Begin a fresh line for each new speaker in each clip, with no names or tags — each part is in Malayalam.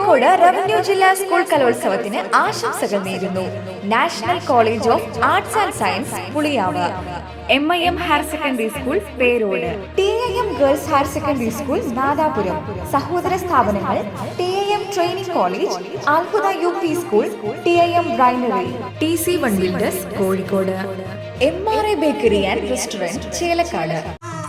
കോഴിക്കോട് റവന്യൂ ജില്ലാ സ്കൂൾ കലോത്സവത്തിന് ആശംസകൾ നേരുന്നു. National college of arts and science Puliyav, MIM higher secondary school Perode, TIM girls higher secondary school Nadapuram, സഹോദര സ്ഥാപനങ്ങൾ TIM training college, Alhuda UP school, TIM brainery, TC1 builders Kozhikode, MRA bakery and restaurant Chelakkad.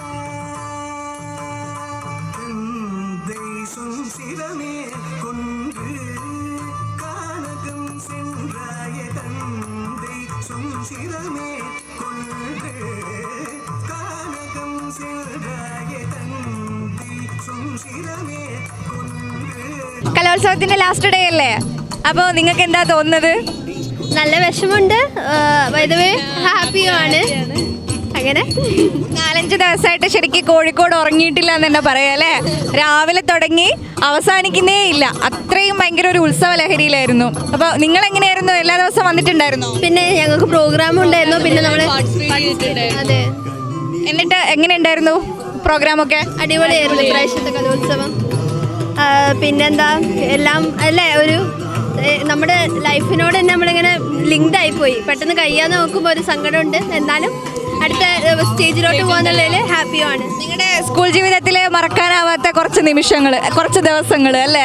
കലോത്സവത്തിന്റെ ലാസ്റ്റ് ഡേ അല്ലേ, അപ്പോൾ നിങ്ങൾക്ക് എന്താ തോന്നുന്നത്?
നല്ല വിഷമമുണ്ട്, ഹാപ്പിയുമാണ്. അങ്ങനെ
4-5 ദിവസമായിട്ട് ശരിക്കും കോഴിക്കോട് ഉറങ്ങിയിട്ടില്ല എന്ന് തന്നെ പറയാം അല്ലേ. രാവിലെ തുടങ്ങി അവസാനിക്കുന്നേ ഇല്ല, അത്രയും ഭയങ്കര ഒരു ഉത്സവ ലഹരിയിലായിരുന്നു. അപ്പോൾ നിങ്ങൾ എങ്ങനെയായിരുന്നു? എല്ലാ ദിവസവും വന്നിട്ടുണ്ടായിരുന്നോ?
പിന്നെ ഞങ്ങൾക്ക് പ്രോഗ്രാം ഉണ്ടായിരുന്നു, പിന്നെ നമ്മൾ അതെ.
എന്നിട്ട് എങ്ങനെ ഉണ്ടായിരുന്നു പ്രോഗ്രാമൊക്കെ?
അടിപൊളിയായിരുന്നു ഇപ്രാവശ്യത്തെ കലോത്സവം. പിന്നെന്താ, എല്ലാം അല്ലേ, ഒരു നമ്മുടെ ലൈഫിനോട് തന്നെ നമ്മളിങ്ങനെ ലിങ്ക്ഡ് ആയിപ്പോയി. പെട്ടെന്ന് കഴിയാതെ നോക്കുമ്പോൾ ഒരു സങ്കടമുണ്ട്, എന്നാലും അടുത്ത സ്റ്റേജിലോട്ട് പോകുന്നതിൽ ഹാപ്പിയാണ്.
നിങ്ങളുടെ സ്കൂൾ ജീവിതത്തിൽ മറക്കാനാവാത്ത കുറച്ച് നിമിഷങ്ങൾ, കുറച്ച് ദിവസങ്ങൾ അല്ലേ?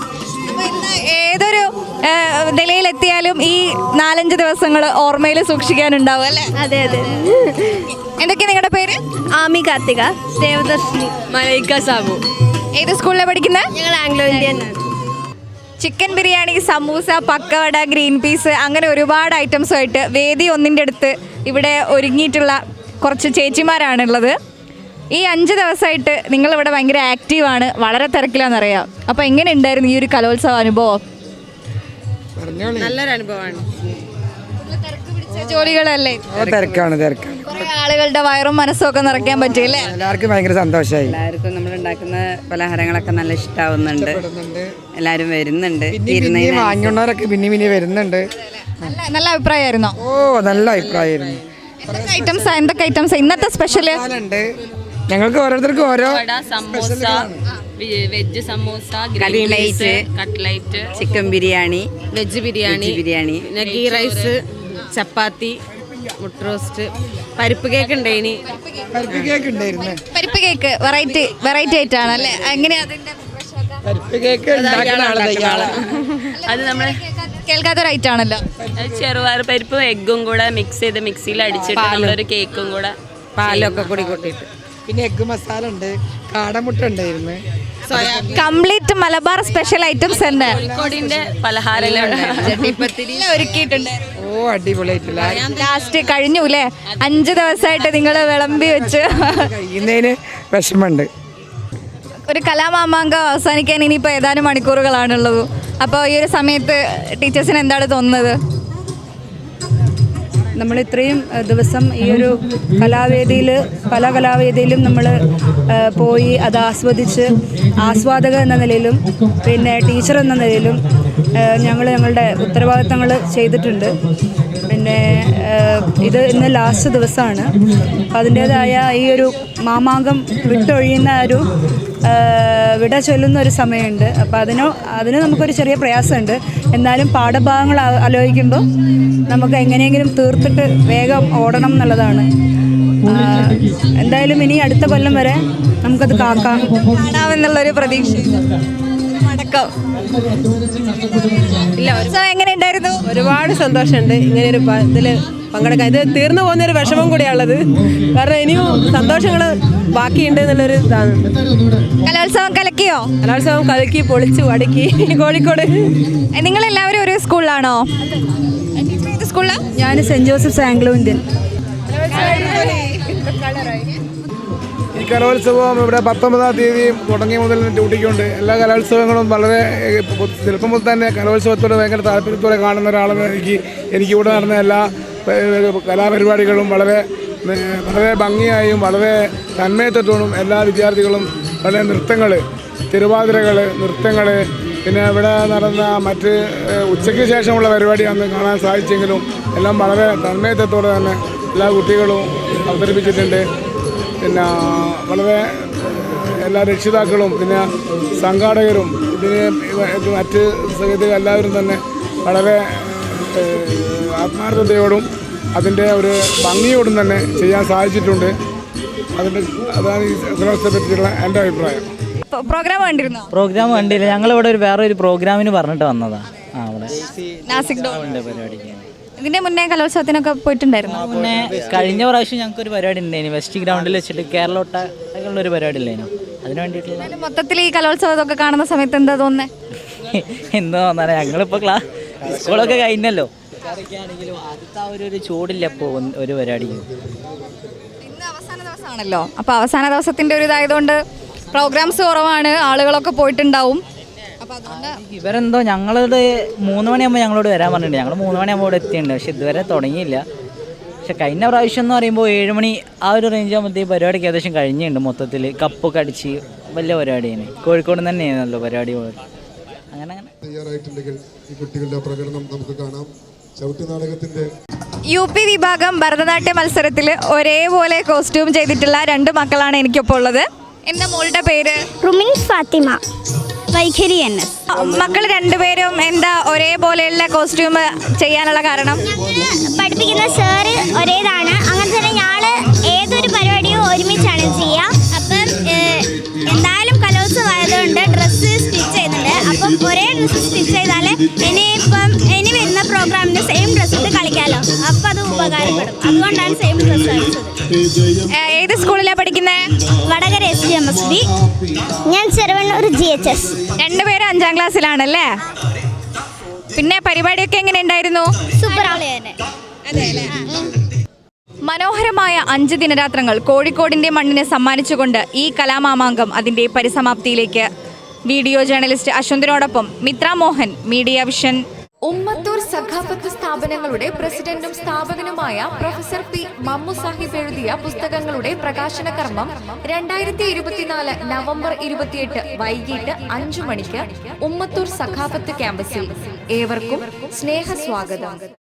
ഏതൊരു നിലയിലെത്തിയാലും ഈ 4-5 ദിവസങ്ങൾ ഓർമ്മയിൽ സൂക്ഷിക്കാനുണ്ടാവും അല്ലേ?
അതെ അതെ.
എന്തൊക്കെയാണ് നിങ്ങളുടെ പേര്?
ആമി കാർത്തിക, ദേവദർശിനി,
മലൈക്ക സാബു.
ഏത് സ്കൂളിലാണ് പഠിക്കുന്നത്?
ഞങ്ങൾ Anglo Indian.
Chicken biryani, samosa, pakkavada, green peas, അങ്ങനെ ഒരുപാട് ഐറ്റംസുമായിട്ട് വേദി ഒന്നിൻ്റെ അടുത്ത് ഇവിടെ ഒരുങ്ങിയിട്ടുള്ള കുറച്ച് ചേച്ചിമാരാണുള്ളത്. ഈ 5 ദിവസമായിട്ട് നിങ്ങളിവിടെ ഭയങ്കര ആക്റ്റീവാണ്, വളരെ തിരക്കിലാണെന്നറിയാം. അപ്പോൾ എങ്ങനെ ഉണ്ടായിരുന്നു ഈ ഒരു കലോത്സവ അനുഭവം?
നല്ലൊരു അനുഭവമാണ്.
ജോലികളല്ലേ?
തിരക്കാണ്.
കുറേ ആളുകളുടെ വയറും മനസ്സും ഒക്കെ നിറയ്ക്കാൻ പറ്റില്ലേ?
എല്ലാവർക്കും ഭയങ്കര സന്തോഷമായി.
എല്ലാവർക്കും നമ്മൾ ഉണ്ടാക്കുന്ന പലഹാരങ്ങളൊക്കെ നല്ല ഇഷ്ടാവുന്നുണ്ട്. എല്ലാവരും വരുന്നുണ്ട്.
വാങ്ങിയുള്ളവരൊക്കെ പിന്നെ വരുന്നുണ്ട്.
നല്ല അഭിപ്രായമായിരുന്നോ?
ഓ, നല്ല അഭിപ്രായമായിരുന്നു.
എന്തൊക്കെ ഐറ്റംസ് ഇന്നത്തെ സ്പെഷ്യല്?
ഞങ്ങൾക്ക് ഓരോരുത്തർക്കും ഓരോ
samosa, veg samosa, cutlet,
chicken biryani,
veg biryani, പിന്നെ ഗീ റൈസ്, ചപ്പാത്തി, മുട്ട റോസ്റ്റ്, പരിപ്പ് കേക്ക് ഉണ്ടായിനി.
പരിപ്പ് കേക്ക് വെറൈറ്റി ആയിട്ടാണ് അല്ലേ? എങ്ങനെയാ അതിന്റെ
അത് നമ്മള്
കേൾക്കാത്തൊരു ഐറ്റം ആണല്ലോ.
ചെറുപയർ പരിപ്പും എഗ്ഗും കൂടെ മിക്സ് ചെയ്ത് മിക്സിയിൽ അടിച്ചിട്ട് നമ്മളൊരു കേക്കും കൂടെ
പാലൊക്കെ കൂടി കൊട്ടിട്ട്,
പിന്നെ എഗ്ഗ് മസാല ഉണ്ട്, കാടമുട്ട ഉണ്ടായിരുന്നു.
കംപ്ലീറ്റ് മലബാർ സ്പെഷ്യൽ ഐറ്റംസ് ഉണ്ട്.
കോഴിക്കോടിന്റെ പലഹാരങ്ങൾ
ഒരുക്കിയിട്ടുണ്ട്.
ഓ, അടിപൊളിയായിട്ടില്ല.
ലാസ്റ്റ് കഴിഞ്ഞു അല്ലേ? 5 ദിവസമായിട്ട് നിങ്ങൾ വിളമ്പി വെച്ച്
കഴിയുന്നതിന് വിഷമമുണ്ട്.
ഒരു കലാമാമാങ്കം അവസാനിക്കാൻ ഇനിയിപ്പോൾ ഏതാനും മണിക്കൂറുകളാണുള്ളത്. അപ്പോൾ ഈ ഒരു സമയത്ത് ടീച്ചേഴ്സിന് എന്താണ് തോന്നുന്നത്?
നമ്മൾ ഇത്രയും ദിവസം ഈ ഒരു പല കലാവേദിയിലും നമ്മൾ പോയി അത് ആസ്വദിച്ച്, ആസ്വാദക എന്ന നിലയിലും പിന്നെ ടീച്ചർ എന്ന നിലയിലും ഞങ്ങളുടെ ഉത്തരവാദിത്തങ്ങൾ ചെയ്തിട്ടുണ്ട്. പിന്നെ ഇത് ഇന്ന് ലാസ്റ്റ് ദിവസമാണ്. അതിൻ്റേതായ ഈ ഒരു മാമാങ്കം വിട്ടൊഴിയുന്ന ഒരു വിട ചൊല്ലുന്ന ഒരു സമയമുണ്ട്. അപ്പോൾ അതിന് നമുക്കൊരു ചെറിയ പ്രയാസമുണ്ട്. എന്നാലും പാഠഭാഗങ്ങൾ ആലോചിക്കുമ്പോൾ നമുക്ക് എങ്ങനെയെങ്കിലും തീർത്തിട്ട് വേഗം ഓടണം എന്നുള്ളതാണ്. എന്തായാലും ഇനി അടുത്ത കൊല്ലം വരെ നമുക്കത്
കാണാമെന്നുള്ളൊരു പ്രതീക്ഷ. എങ്ങനെ ഉണ്ടായിരുന്നു?
ഒരുപാട് സന്തോഷമുണ്ട് ഇങ്ങനെ ഒരു ഇതിൽ പങ്കെടുക്കാൻ. ഇത് തീർന്നു പോകുന്നൊരു വിഷമം കൂടിയാണുള്ളത്, കാരണം ഇനിയും സന്തോഷങ്ങൾ ബാക്കിയുണ്ട് എന്നുള്ളൊരു ഇതാണ്.
കലോത്സവം കലക്കിയോ?
കലോത്സവം കലക്കി പൊളിച്ചു അടുക്കി കോഴിക്കോട്.
നിങ്ങളെല്ലാവരും ഒരു സ്കൂളിലാണോ? സ്കൂളിലാണ്.
ഞാൻ സെൻറ് ജോസഫ്സ് ആംഗ്ലോ ഇന്ത്യൻ.
ഈ കലോത്സവം ഇവിടെ 19-ാം തീയതി തുടങ്ങിയ മുതൽ ഡ്യൂട്ടിക്കുണ്ട്. എല്ലാ കലോത്സവങ്ങളും വളരെ ചെറുപ്പം മുതൽ തന്നെ കലോത്സവത്തോട് ഭയങ്കര താല്പര്യത്തോടെ കാണുന്ന ഒരാളെന്ന് എനിക്കിവിടെ നടന്ന എല്ലാ കലാപരിപാടികളും വളരെ ഭംഗിയായും വളരെ തന്മയത്വത്തോടും എല്ലാ വിദ്യാർത്ഥികളും വളരെ നൃത്തങ്ങൾ, തിരുവാതിരകൾ, നൃത്തങ്ങൾ, പിന്നെ ഇവിടെ നടന്ന മറ്റ് ഉച്ചയ്ക്ക് ശേഷമുള്ള പരിപാടി അന്ന് കാണാൻ സാധിച്ചെങ്കിലും എല്ലാം വളരെ തന്മയത്വത്തോടെ തന്നെ എല്ലാ കുട്ടികളും അവതരിപ്പിച്ചിട്ടുണ്ട്. പിന്നെ വളരെ എല്ലാ രക്ഷിതാക്കളും പിന്നെ സംഘാടകരും ഇതിന് മറ്റ് സഹൃദയ എല്ലാവരും തന്നെ വളരെ ആത്മാർത്ഥതയോടും അതിൻ്റെ ഒരു ഭംഗിയോടും തന്നെ ചെയ്യാൻ സാധിച്ചിട്ടുണ്ട്. അതാണ് ഈ കലോത്സവത്തെ പറ്റിയുള്ള എൻ്റെ അഭിപ്രായം.
പ്രോഗ്രാം കണ്ടിരുന്നോ?
പ്രോഗ്രാം കണ്ടില്ല, ഞങ്ങളിവിടെ വേറെ ഒരു പ്രോഗ്രാമിന് പറഞ്ഞിട്ട് വന്നതാ. അവിടെ
നാസിക് ഡോൾ
പരിപാടിക്ക്
ഇതിന്റെ മുന്നേ കലോത്സവത്തിനൊക്കെ പോയിട്ടുണ്ടായിരുന്നു.
മുന്നേ കഴിഞ്ഞ പ്രാവശ്യം ഞങ്ങൾക്ക് ഒരു പരിപാടി ഉണ്ടായിരുന്നു, വെസ്റ്റ് ഗ്രൗണ്ടിൽ വെച്ചിട്ട് കേരളോട്ട ഒരു പരിപാടി ഇല്ലായിരുന്നു. അതിന് വേണ്ടിയിട്ടുള്ള
മൊത്തത്തിൽ ഈ കലോത്സവമൊക്കെ കാണുന്ന സമയത്ത് എന്താ തോന്നുന്നത്?
എന്തോ തോന്നാനാ, ഞങ്ങളിപ്പോൾ സ്കൂളൊക്കെ കഴിഞ്ഞല്ലോ. ആണെങ്കിലും ആദ്യത്തെ ഒരു ചൂടില്ല ഇപ്പോൾ ഒരു പരിപാടിക്ക്.
ഇന്ന് അവസാന ദിവസമാണല്ലോ, അപ്പോൾ അവസാന ദിവസത്തിന്റെ ഒരു ഇതായതുകൊണ്ട് പ്രോഗ്രാംസ് കുറവാണ്, ആളുകളൊക്കെ പോയിട്ടുണ്ടാവും. അപ്പോൾ അതുകൊണ്ട്
ഇവരെന്തോ ഞങ്ങളോട് 3 മണിയാകുമ്പോൾ ഞങ്ങളോട് വരാൻ പറഞ്ഞിട്ടുണ്ട്. ഞങ്ങൾ 3 മണിയാകുമ്പോൾ ഇവിടെ എത്തിയിട്ടുണ്ട്, പക്ഷെ ഇതുവരെ തുടങ്ങിയില്ല. പക്ഷെ കഴിഞ്ഞ പ്രാവശ്യം എന്ന് പറയുമ്പോൾ 7 മണി ആ ഒരു റേഞ്ച് ആകുമ്പോഴത്തേക്ക് പരിപാടിക്ക് ഏകദേശം കഴിഞ്ഞിട്ടുണ്ട്. മൊത്തത്തിൽ കപ്പൊക്കെ അടിച്ച് വലിയ പരിപാടിയാണ്. കോഴിക്കോട് തന്നെയാണല്ലോ പരിപാടി. അങ്ങനെ
തയ്യാറായിട്ടുണ്ടെങ്കിൽ ഈ കുട്ടികളുടെ പ്രകടനം നമുക്ക് കാണാം. ചവിട്ട് നാടകത്തിന്റെ
UP വിഭാഗം ഭരതനാട്യ മത്സരത്തിൽ ഒരേപോലെ കോസ്റ്റ്യൂം ചെയ്തിട്ടുള്ള 2 മക്കളാണ് എനിക്കൊപ്പം ഉള്ളത്. എൻ്റെ മോളുടെ പേര്
റുമിൻ ഫാത്തിമ, വൈഖരി NS.
മക്കൾ രണ്ടുപേരും എന്താ ഒരേപോലെയുള്ള കോസ്റ്റ്യൂം ചെയ്യാനുള്ള കാരണം?
പഠിപ്പിക്കുന്ന സാറ് ഒരേതാണ്. അങ്ങനെ തന്നെ ഞങ്ങൾ ഏതൊരു പരിപാടിയും ഒരുമിച്ചാണ് ചെയ്യുക. അപ്പം എന്തായാലും കലോത്സവം ആയതുകൊണ്ട് ഡ്രസ്സ് സ്റ്റിച്ച് ചെയ്യുന്നുണ്ട്. അപ്പം ഒരേ ഡ്രസ്സ് സ്റ്റിച്ച് ചെയ്താൽ ഇനി വരുന്ന പ്രോഗ്രാമിന് സെയിം ഡ്രസ്സ് ഇട്ട് കളിക്കാമല്ലോ. അപ്പം അത് ഉപകാരപ്പെടും. അതുകൊണ്ടാണ് സെയിം ഡ്രസ്സ് കളിച്ചത്.
ഏത് സ്കൂളിലാണ് പഠിക്കുന്നത്?
വടകര SGMSB. ഞാൻ ചെറുവണ്ണൂർ GHS.
രണ്ടുപേരും 5ാം ക്ലാസ്സിലാണല്ലേ? പിന്നെ പരിപാടിയൊക്കെ എങ്ങനെ ഉണ്ടായിരുന്നു?
സൂപ്പർ.
മനോഹരമായ 5 ദിനരാത്രങ്ങൾ കോഴിക്കോടിൻ്റെ മണ്ണിനെ സമ്മാനിച്ചുകൊണ്ട് ഈ കലാമാമാങ്കം അതിൻ്റെ പരിസമാപ്തിയിലേക്ക്. വീഡിയോ ജേർണലിസ്റ്റ് അശ്വന്തിനോടൊപ്പം മിത്ര മോഹൻ, മീഡിയ വിഷൻ.
ഉമ്മത്തൂർ സഖാഫത്ത് സ്ഥാപനങ്ങളുടെ പ്രസിഡന്റും സ്ഥാപകനുമായ പ്രൊഫസർ P. മമ്മു സാഹിബ് എഴുതിയ പുസ്തകങ്ങളുടെ പ്രകാശന കർമ്മം 2024 നവംബർ 28 വൈകിട്ട് 5 മണിക്ക് ഉമ്മത്തൂർ സഖാഫത്ത് ക്യാമ്പസിൽ. ഏവർക്കും സ്നേഹസ്വാഗതം.